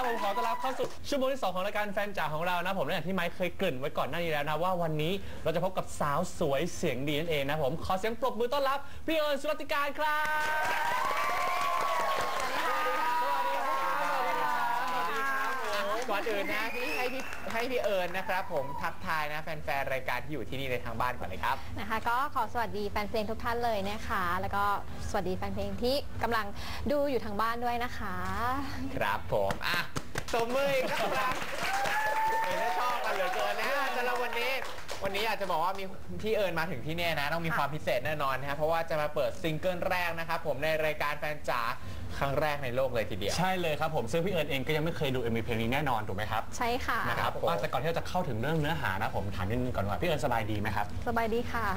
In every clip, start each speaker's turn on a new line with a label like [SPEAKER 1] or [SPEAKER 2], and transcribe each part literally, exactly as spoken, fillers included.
[SPEAKER 1] ผมขอต้อนรับเข้าสู่ชั่วโมงที่สองของรายการแฟนจ๋าของเรานะผมอย่างที่ไมค์เคยเกริ่นไว้ก่อนหน้านี้แล้วนะว่าวันนี้เราจะพบกับสาวสวยเสียงดีนั่นเองนะผมขอเสียงปรบมือต้อนรับพี่เอิญสุรติการครับ
[SPEAKER 2] ก่อนอื่นนะที่ให้พี่ให้พี่เอิญนะครับผมทักทายนะแฟนๆรายการที่อยู่ที่นี่ในทางบ้านก่อนเลยครับ
[SPEAKER 3] นะคะก็ขอสวัสดีแฟนเพลงทุกท่านเลยนะคะแล้วก็สวัสดีแฟนเพลงที่กำลังดูอยู่ทางบ้านด้วยนะคะ
[SPEAKER 2] ครับผมอ่ะตบมืออีกครั้งเห็นแล้วชอบกันเหลือเกินนะสำหรับวันนี้วันนี้อยากจะบอกว่ามีพี่เอิญมาถึงที่นี่นะต้องมีความพิเศษแน่นอนนะครับเพราะว่าจะมาเปิดซิงเกิลแรกนะครับผมในรายการแฟนจ๋าครั้งแรกในโลกเลยทีเดียว
[SPEAKER 1] ใช่เลยครับผมซึ่งพี่เอิญเองก็ยังไม่เคยดู เอ็ม วี เพลงนี้แน่นอนถูกไหมครับ
[SPEAKER 3] ใช่ค่ะ
[SPEAKER 1] นะครับว่าแต่ก่อนที่เราจะเข้าถึงเรื่องเนื้อหานะผมถามนิดนึงก่อนว่าพี่เอิญสบายดีไหมครับ
[SPEAKER 3] สบายดีค่ะ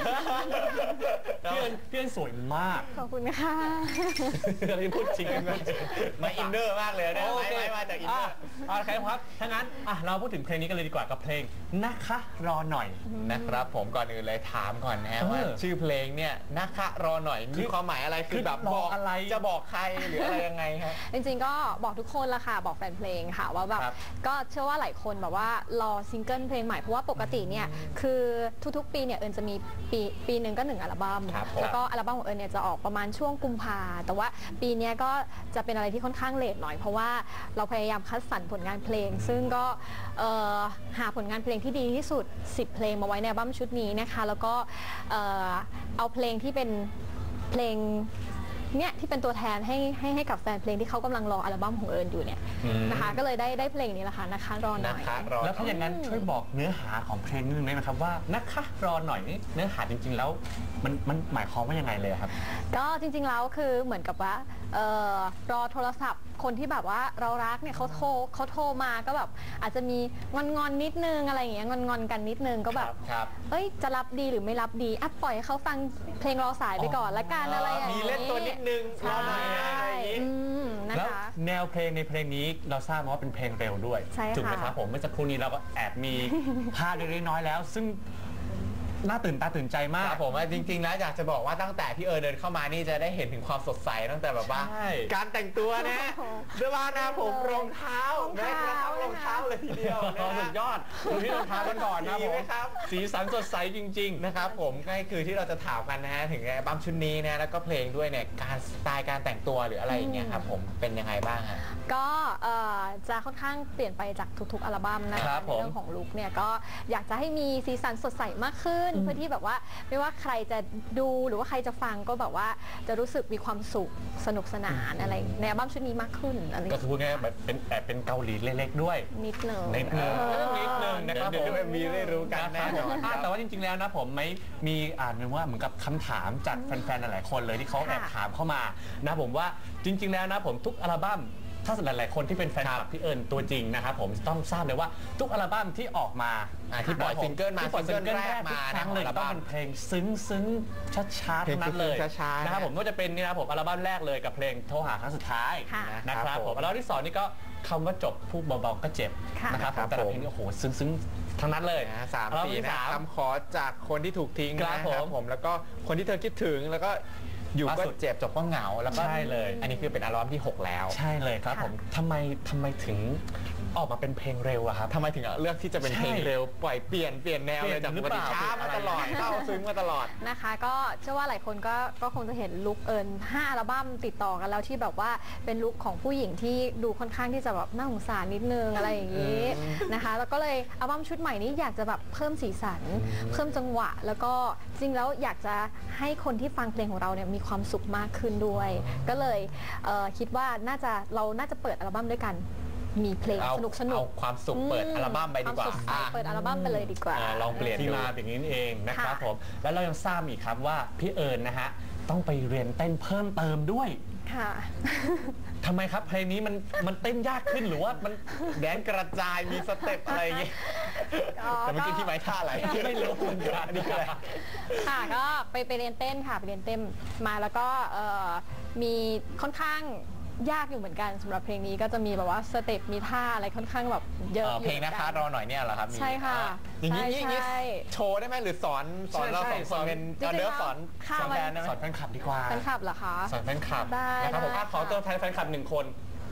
[SPEAKER 1] พี่เอิญพี่เอิญสวยมาก
[SPEAKER 3] ขอบคุณค่ะ
[SPEAKER 1] เราพูดจริง
[SPEAKER 2] มาอินเนอร์มากเลยนะไม่มาจากอินเนอร์
[SPEAKER 1] โอเคครับถ้างั้นเราพูดถึงเพลงนี้กันเลยดีกว่ากับเพลงนะคะรอหน่อย
[SPEAKER 2] นะครับผมก่อนอื่นเลยถามก่อนนะว่าชื่อเพลงเนี่ยนะคะรอหน่อยมีความหมายอะไรคือแบบบอกอะไรจะบอกใครหรืออะไรยังไงครับ
[SPEAKER 3] จริงๆก็บอกทุกคนละค่ะบอกแฟนเพลงค่ะว่าแบบก็เชื่อว่าหลายคนแบบว่ารอซิงเกิลเพลงใหม่เพราะว่าปกติเนี่ยคือทุกๆปีเนี่ยเอิญจะมีปีปีหนึ่งก็หนึ่งอัลบั้มแล้วก็อัลบั้มของเอิญเนี่ยจะออกประมาณช่วงกุมภาแต่ว่าปีนี้ก็จะเป็นอะไรที่ค่อนข้างเลทหน่อยเพราะว่าเราพยายามคัดสรรผลงานเพลงซึ่งก็หาผลงานเพลงที่ดีที่สุดสิบเพลงมาไว้ในอัลบั้มชุดนี้นะคะแล้วก็เอาเพลงที่เป็นเพลงเนี่ยที่เป็นตัวแทนให้ให้ให้กับแฟนเพลงที่เขากำลังรออัลบั้มของเอิญอยู่เนี่ยนะคะก็เลยได้ได้เพลงนี้แหละค่ะนะคะรอหน่อย
[SPEAKER 1] แล้วถ้าอย่างนั้นช่วยบอกเนื้อหาของเพลงนิดนึงได้ไหมครับว่านะคะรอหน่อยนี่เนื้อหาจริงๆแล้วมันมันหมายความว่ายังไงเลยครับ
[SPEAKER 3] ก็จริงๆแล้วคือเหมือนกับว่ารอโทรศัพท์คนที่แบบว่าเรารักเนี่ยเขาโทรเขาโทรมาก็แบบอาจจะมีงอนงอนนิดนึงอะไรอย่างเงี้ยงอนงอนกันนิดนึงก็แบบเอ้ยจะรับดีหรือไม่รับดีอ่ะปล่อยให้เขาฟังเพลงรอสายไปก่อนละกันอะไรอย่าง
[SPEAKER 2] นี้มีเล่นตัวนิดนึงรอหน่อย
[SPEAKER 3] อะไรอย่างนี้
[SPEAKER 1] แล้วแนวเพลงในเพลงนี้เราทราบมาว่าเป็นเพลงเร็วด้วยถูกไหมครับผมเมื่อสักครู่นี้เราก็แอบมีภาพเล็กน้อยแล้วซึ่งน่าตื่นตาตื่นใจมาก
[SPEAKER 2] ครับผมจริงๆนะอยากจะบอกว่าตั้งแต่พี่เอิญเดินเข้ามานี่จะได้เห็นถึงความสดใสตั้งแต่แบบว่าการแต่งตัวนะเสื้อผ้าหน้าผมรองเท้าแม้กระทั่งรองเท้าเลยทีเดียว
[SPEAKER 1] สุดยอดดูที่รองเท้ากันก่อนนะผมสีสันสดใสจริงๆ
[SPEAKER 2] นะครับผมก็คือที่เราจะถามกันนะฮะถึงอัลบั้มชุดนี้นะแล้วก็เพลงด้วยเนี่ยการสไตล์การแต่งตัวหรืออะไรอย่างเงี้ยครับผมเป็นยังไงบ้างฮะ
[SPEAKER 3] ก็จะค่อนข้างเปลี่ยนไปจากทุกๆอัลบั้มนะคะในเรื่องของลุคเนี่ยก็อยากจะให้มีสีสันสดใสมากขึ้นเพื่อที่แบบว่าไม่ว่าใครจะดูหรือว่าใครจะฟังก็แบบว่าจะรู้สึกมีความสุขสนุกสนานอะไรในอัลบั้มชุดนี้มากขึ้นอะไร
[SPEAKER 1] ก็คือพูดง่ายๆแบบเป็นแอบเป็นเกาหลีเล็กๆด้วย
[SPEAKER 3] นิดหนึ่ง
[SPEAKER 1] นิดหนึ่งนิดหนึ่งนะครับผม
[SPEAKER 2] มีได้รู้กันแน่นอน
[SPEAKER 1] แต่ว่าจริงๆแล้วนะผมไม่มีอ่านว่าเหมือนกับคำถามจากแฟนๆหลายๆคนเลยที่เขาแอบถามเข้ามานะผมว่าจริงๆแล้วนะผมทุกอัลบั้มถ้าหลายๆคนที่เป็นแฟนคลับพี่เอิญตัวจริงนะครับผมต้องทราบเลยว่าทุกอัลบั้มที่ออกมา
[SPEAKER 2] ที่ปล่อยซิงเกิลมา
[SPEAKER 1] ซิงเกิลแรกมาทั้งเลยต้องเป็นเพลงซึ้งซึ้งช้าๆทั้งนั้นเลยนะครับผมก็จะเป็นนี่นะผมอัลบั้มแรกเลยกับเพลงโทรหาครั้งสุดท้ายนะครับผมอัลบั้มที่สองนี่ก็คำว่าจบพูดเบาๆก็เจ็บนะครับแต่ละเพลงนี่โอ้โหซึ้งๆทั้งนั้นเลย
[SPEAKER 2] สามสี่นะคำขอจากคนที่ถูกทิ้งนะครับผมแล้วก็คนที่เธอคิดถึงแล้วก็อยู่ก็เจ็บจบก็เหงาแล้วก็
[SPEAKER 1] ใช่เลย
[SPEAKER 2] อันนี้คือเป็นอัลบั้มที่หกแล้ว
[SPEAKER 1] ใช่เลยครับผมทำไมทำไมถึงออกมาเป็นเพลงเร็วอะครับ
[SPEAKER 2] ทำไมถึงเลือกที่จะเป็นเพลงเร็วปล่อยเปลี่ยนเปลี่ยนแนวเลยจากปกติช้ามาตลอดเข้าซึ้งมาตลอด
[SPEAKER 3] นะคะก็เชื่อว่าหลายคนก็ก็คงจะเห็นลุคเอิญห้าอัลบั้มติดต่อกันแล้วที่แบบว่าเป็นลุคของผู้หญิงที่ดูค่อนข้างที่จะแบบน่าสงสารนิดนึงอะไรอย่างนี้นะคะแล้วก็เลยอัลบั้มชุดใหม่นี้อยากจะแบบเพิ่มสีสันเพิ่มจังหวะแล้วก็จริงแล้วอยากจะให้คนที่ฟังเพลงของเราเนี่ยมีความสุขมากขึ้นด้วยก็เลยเคิดว่าน่าจะเราน่าจะเปิดอัลบั้มด้วยกันมีเพลงสนุกสนุก
[SPEAKER 2] เอาความสุขเปิดอัลบั้มไปดีกว่า
[SPEAKER 3] เปิดอัลบั้มไปเลยดีกว่า
[SPEAKER 1] ลองเปลี่ยนที่มาอย่างนี้เองนะครับผมแล้วเรายังทราบอีกครับว่าพี่เอิญนะฮะต้องไปเรียนเต้นเพิ่มเติมด้วย
[SPEAKER 3] ค่ะ
[SPEAKER 1] ทำไมครับเพลงนี้มันมันเต้นยากขึ้นหรือว่ามัน
[SPEAKER 2] แดนกระจายมีสเต็ปอะไรอย่างงี้แต่เมื่อกี้ที่ไม้ท่าอะไร
[SPEAKER 1] ไม่รู้เหมือนกันนี่อะไร
[SPEAKER 3] ค่ะก็ไปไปเรียนเต้นค่ะไปเรียนเต้นมาแล้วก็มีค่อนข้างยากอยู่เหมือนกันสำหรับเพลงนี้ก็จะมีแบบว่าสเต็ปมีท่าอะไรค่อนข้างแบบเยอะ
[SPEAKER 2] เพลงนะคะรอหน่อยเนี่ยเหรอครับ
[SPEAKER 3] ใช่ค่ะ
[SPEAKER 2] อย่างนี้อย่างนี้โชว์ได้ไหมหรือสอนสอนเราสองคนเป็นเดิร์ฟสอนสอนแฟน
[SPEAKER 1] สอนแฟนคลับดีกว่า
[SPEAKER 3] แฟนคลับเหรอคะ
[SPEAKER 1] สอนแฟนคลับนะครับผมขอตัวแทนแฟนคลับหนึ่งคน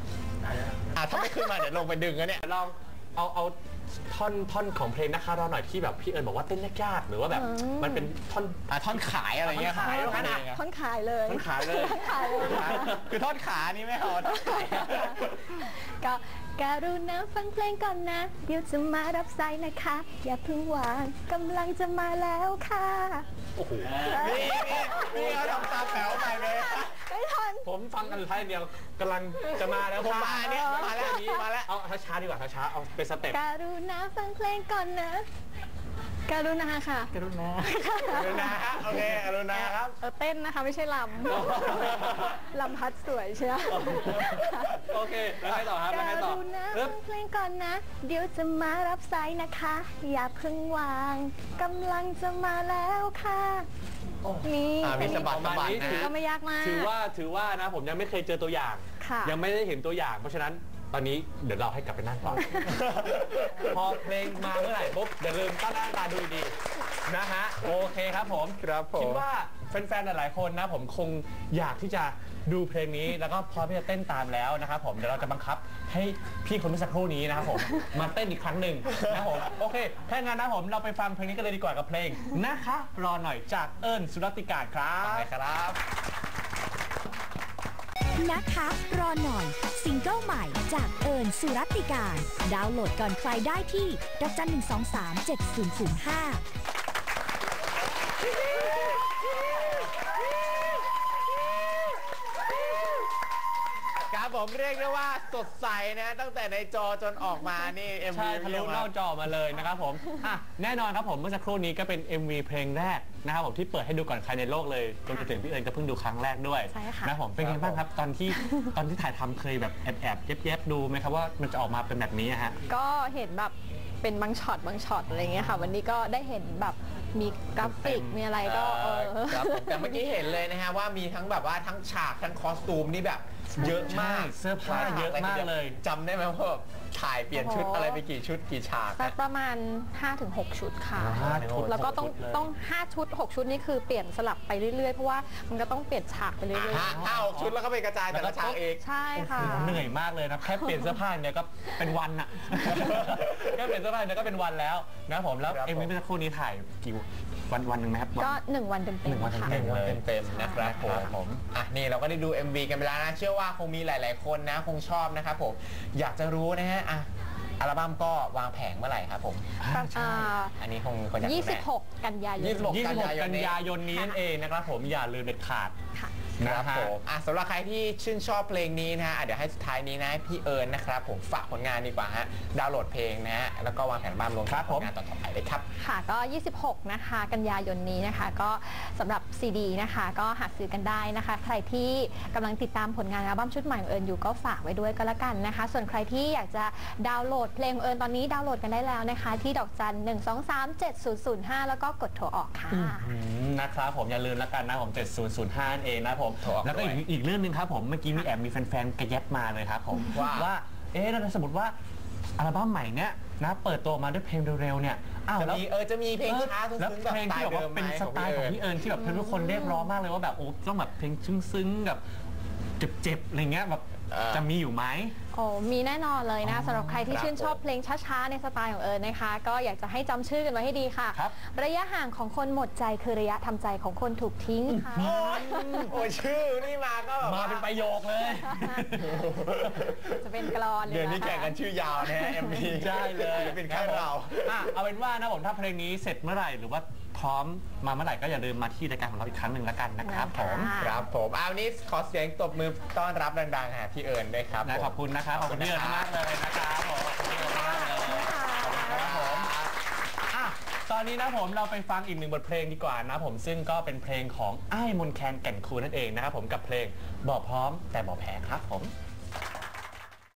[SPEAKER 2] อ่ะถ้าไม่ขึ้นมาเดี๋ยวลงไปดึงกันเนี่ย
[SPEAKER 1] ลองเอาเอาท่อนท่อนของเพลงนะคะเราหน่อยที่แบบพี่เอิญบอกว่าเต้นยากๆหรือว่าแบบมันเป็นท่อน
[SPEAKER 2] อ่ะท่อนขายอะไรเงี้ย
[SPEAKER 1] ท่อนขาย
[SPEAKER 2] ขนาด
[SPEAKER 3] ท่อนขายเลย
[SPEAKER 1] ท่อนขายเลย
[SPEAKER 3] ท่อนขายเลย
[SPEAKER 2] คือท่อนขานี่ไม่เอาท่อนขาย
[SPEAKER 3] ก็การุณาฟังเพลงก่อนนะเดี๋ยวจะมารับสายนะคะ อย่าเพิ่งวางกำลังจะมาแล้วค่ะ
[SPEAKER 1] โอ้โห
[SPEAKER 2] นี่นี่นี่เขาทำตาแป๋วใหม่เลย
[SPEAKER 3] ไม่ทัน
[SPEAKER 1] ผมฟังกันท้ายเดียวกำลังจะมาแล้ว
[SPEAKER 2] ผมมาเนี่ยมาแล้วนี้มาแล้ว
[SPEAKER 1] เอาช้าๆดีกว่าช้าๆเอาเป็นสเต็ป
[SPEAKER 3] การุณาฟังเพลงก่อนนะ การุณาค่ะ
[SPEAKER 1] กรุณา
[SPEAKER 2] อรุณาครับโอเคอรุณาครับ
[SPEAKER 3] เออเต้นนะคะไม่ใช่ลำ ลำพัดสวยใช่ไหม
[SPEAKER 1] โอเคแล้วไงต่อครับแล้ว
[SPEAKER 3] ก
[SPEAKER 1] ไงต่อ
[SPEAKER 3] รุณา
[SPEAKER 1] เอ๊
[SPEAKER 3] ฟั
[SPEAKER 1] บ
[SPEAKER 3] งเพลงก่อนนะ เดี๋ยวจะมารับสายนะคะ อย่าเพิ่งวางกำลังจะมาแล้วค่ะนี่
[SPEAKER 2] อ่ามีสะบัด
[SPEAKER 1] ประมาณนี้
[SPEAKER 3] ก็ไม่ยากมาก
[SPEAKER 1] ถือว่าถือว่านะผมยังไม่เคยเจอตัวอย่าง
[SPEAKER 3] ค่ะ
[SPEAKER 1] ยังไม่ได้เห็นตัวอย่าง เพราะฉะนั้นตอนนี้เดี๋ยวเราให้กลับไปนั่งก่อน พอเพลงมาเมื่อไหร่ปุ๊บอย่าลืมตั้งหน้าตาดูดีๆนะฮะโอเคครับผม
[SPEAKER 2] ครับผม
[SPEAKER 1] คิดว่าแฟนๆหลายๆคนนะผมคงอยากที่จะดูเพลงนี้แล้วก็พร้อมที่จะเต้นตามแล้วนะครับผมเดี๋ยวเราจะบังคับให้พี่คนเมื่อสักครู่นี้นะครับผมมาเต้นอีกครั้งหนึ่งนะครับผมโอเคถ้างั้นนะผมเราไปฟังเพลงนี้กันเลยดีกว่ากับเพลงนะคะรอหน่อยจากเอิญสุรติการครับ
[SPEAKER 2] ไปครับ
[SPEAKER 4] นะคะรอหน่อยซิงเกิลใหม่จากเอิญสุรติการ ดาวน์โหลดก่อนใครได้ที่ดอกจันหนึ่งสองสามเจ็ดศูนย์ศูนย์ห้า
[SPEAKER 2] ครับผมเรียกได้ว่าสดใสนะตั้งแต่ในจอจนออกมานี่ เอ็ม วี
[SPEAKER 1] ใช่ทะลุเล่าจอมาเลยนะครับผมอ่ะแน่นอนครับผมเมื่อสักครู่นี้ก็เป็น เอ็ม วี เพลงแรกนะครับผมที่เปิดให้ดูก่อนใครในโลกเลยจนถึงพี่เอิญก็เพิ่งดูครั้งแรกด้วย
[SPEAKER 3] ใช่ค่ะ
[SPEAKER 1] นะผมเป็นไงบ้างครับตอนที่ตอนที่ถ่ายทำเคยแบบแอบแอบๆแยบๆดูไหมครับว่ามันจะออกมาเป็นแบบนี้อะฮะ
[SPEAKER 3] ก็เห็นแบบเป็นบางช็อตบางช็อตอะไรเงี้ยค่ะ วันนี้ก็ได้เห็นแบบมีกราฟิก
[SPEAKER 1] เต็มๆ
[SPEAKER 3] มีอะไรก็เออ
[SPEAKER 2] ครับผมแต่เมื่อกี้เห็นเลยนะฮะว่ามีทั้งแบบว่าทั้งฉากทั้งคอสตูมนี่แบบเยอะมาก
[SPEAKER 1] ใช่เสื้อผ้าเยอะมากเลย
[SPEAKER 2] จำได้ไหมว่าแบบถ่ายเปลี่ยนชุด
[SPEAKER 3] โอ้โห
[SPEAKER 2] อะไรไปกี่ชุดกี่ฉาก
[SPEAKER 3] สัก
[SPEAKER 2] นะ
[SPEAKER 3] ประมาณ ห้าถึงหก ชุดค่ะ
[SPEAKER 1] ห้าถึงหก
[SPEAKER 3] แล้วก็ต้อง
[SPEAKER 1] ชุดเลย
[SPEAKER 3] ต้อง ห้า ชุด หก ชุดนี่คือเปลี่ยนสลับไปเรื่อยๆ เพราะว่ามันก็ต้องเปลี่ยนฉากไปเรื่อย
[SPEAKER 2] ห้าห้าหกชุดแล้วก็ไปกระจายแต่ละฉากเอง
[SPEAKER 3] ๆ ใช่ค่ะ
[SPEAKER 1] เหนื่อยมากเลยนะแค่เปลี่ยนเสื้อผ้าเนี่ยก็เป็นวันอะ แค่เปลี่ยนเสื้อผ้าเนี่ยก็เป็นวันแล้วนะผมแล้ว
[SPEAKER 2] ครับ
[SPEAKER 1] เอ็ม วี
[SPEAKER 2] ผม
[SPEAKER 1] เมื่อสักครู่นี้ถ่ายกี่วันวันหนึ่งไหมครับ
[SPEAKER 3] ก็หนึ่งวันเต็ม
[SPEAKER 1] หนึ่งวัน
[SPEAKER 3] ๆค่ะ
[SPEAKER 1] เต็มๆเลย
[SPEAKER 2] เต็มๆนะครับผม
[SPEAKER 1] ผม
[SPEAKER 2] อ่ะนี่เราก็ได้ดู เอ็ม วี กันไปแล้วนะ เชื่อว่าคงมีหลาย ๆ คนนะคงชอบนะครับผมอยากจะรู้นะฮะอ่ะอัลบั้มก็วางแผงเมื่อไหร่ครับผม
[SPEAKER 3] อ่า
[SPEAKER 2] อันนี้คงมีคนอยากรู้
[SPEAKER 3] ยี่
[SPEAKER 2] แน่
[SPEAKER 3] สิบหก กันยายน
[SPEAKER 2] ยี่สิบหก
[SPEAKER 1] ยี่สิบหก
[SPEAKER 2] กั
[SPEAKER 1] กัน น
[SPEAKER 2] ยาย
[SPEAKER 1] ยาน ยนนี้นั่นเองนะครับผมอย่าลืมเด็ดขาด
[SPEAKER 3] ค่ะ
[SPEAKER 2] ค
[SPEAKER 1] นะ
[SPEAKER 2] รับ
[SPEAKER 1] ฮะ
[SPEAKER 2] ผมอ่ะสำหรับใครที่ชื่นชอบเพลงนี้นะฮะอ่ะเดี๋ยวให้สุดท้ายนี้นะพี่เอิญนะครับผมฝากผลงานดีกว่าฮะดาวน์โหลดเพลงนะฮะแล้วก็วางแผนบ้านรวมถึงผลงานต่อๆไปเลยครับ
[SPEAKER 3] ค่ะก็ ยี่สิบหก นะคะ กันยายนนี้นะคะ ก็สำหรับซีดีนะคะ ก็หาซื้อกันได้นะคะ ใครที่กำลังติดตามผลงานอัลบั้มชุดใหม่ของเอิญอยู่ก็ฝากไว้ด้วยก็แล้วกันนะคะ ส่วนใครที่อยากจะดาวน์โหลดเพลงของเอิญตอนนี้ดาวน์โหลดกันได้แล้วนะคะ ที่ดอกจันหนึ่งสองสามเจ็ดศูนย์ศูนย์ห้าแล้วก็กดโทรออกค่ะ
[SPEAKER 1] อืมนะครับผมอย่าลืมแล้วกันนะผมเจ็ดศูนย์ศูนย์ห้านั่นเองนะผม
[SPEAKER 2] โทรออก
[SPEAKER 1] แล้วก็อีก
[SPEAKER 2] ด้วย
[SPEAKER 1] อีกเรื่องหนึงครับผมเมื่อกี้มีแอบมีแฟนๆกระแยบมาเลยครับผม
[SPEAKER 2] ว่า
[SPEAKER 1] ว่าเอ๊ะแล้วถ้าสมมติว่าอัลบั้มใหม่เนี้ยนะเปิดตัวออกมาด้วยเพลงเร็วๆเนี่ยอ้าว
[SPEAKER 2] จะ
[SPEAKER 1] แล้ว
[SPEAKER 2] มีเออจะมีเพลงช้า
[SPEAKER 1] เออ
[SPEAKER 2] ซึ้งๆแบบ
[SPEAKER 1] เพลง
[SPEAKER 2] สไต
[SPEAKER 1] ที่
[SPEAKER 2] ล์
[SPEAKER 1] แบบ
[SPEAKER 2] เดิ
[SPEAKER 1] ว่าม
[SPEAKER 2] ไหม
[SPEAKER 1] เป็นสไตล์ของพี่เอิญที่แบบทุกคนเรียกร้องมากเลยว่าแบบโอ้ต้องแบบเพลงซึ้งๆแบบเจ็บๆอะไรเงี้ยแบบจะมีอยู่ไหม
[SPEAKER 3] โอ้มีแน่นอนเลยนะ
[SPEAKER 1] อ๋อ
[SPEAKER 3] สำหรับใครที่
[SPEAKER 2] ครับ
[SPEAKER 3] ชื่นชอบเพลงช้าๆในสไตล์ของเอิญนะคะ ก็อยากจะให้จำชื่อกันไว้ให้ดีค่ะ
[SPEAKER 1] ครับ
[SPEAKER 3] ระยะห่างของคนหมดใจคือระยะทำใจของคนถูกทิ้งค่ะ
[SPEAKER 2] โอ้ยโอ้ยชื่อนี่มาก็แบบ
[SPEAKER 1] มา
[SPEAKER 2] ว่า
[SPEAKER 1] เป็นประโยคเลย
[SPEAKER 3] จะเป็นกลอนเลย
[SPEAKER 2] เดือนนี้
[SPEAKER 3] ะคะ
[SPEAKER 2] แข่งกันชื่อยาวนะฮะ เอ็ม วี
[SPEAKER 1] ใช่เลย
[SPEAKER 2] เป็นแค่เรา
[SPEAKER 1] อ่ะเอาเป็นว่านะผมถ้าเพลงนี้เสร็จเมื่อไหร่หรือว่าพร้อมมาเมื่อไหร่ก็อย่าลืมมาที่รายการของเราอีกครั้งหนึ่งแล้วกันนะครับผม
[SPEAKER 3] ค่ะ
[SPEAKER 2] ครับผมเอาวันนี้ขอเสียงตบมือต้อนรับดังๆหาพี่เอิญด้วยครับ
[SPEAKER 1] นะ
[SPEAKER 2] ผม
[SPEAKER 1] ขอบคุณนะครับขอบคุณพี่เอิญมากเลยนะครับผมขอบคุณพี่เอิญมากเลยครับผมอ่ะตอนนี้นะผมเราไปฟังอีกหนึ่งบทเพลงดีกว่านะผมซึ่งก็เป็นเพลงของอ้ายมนแคนแก่นคูลนั่นเองนะครับผมกับเพลงบอกพร้อมแต่บอกแพ้ครับผม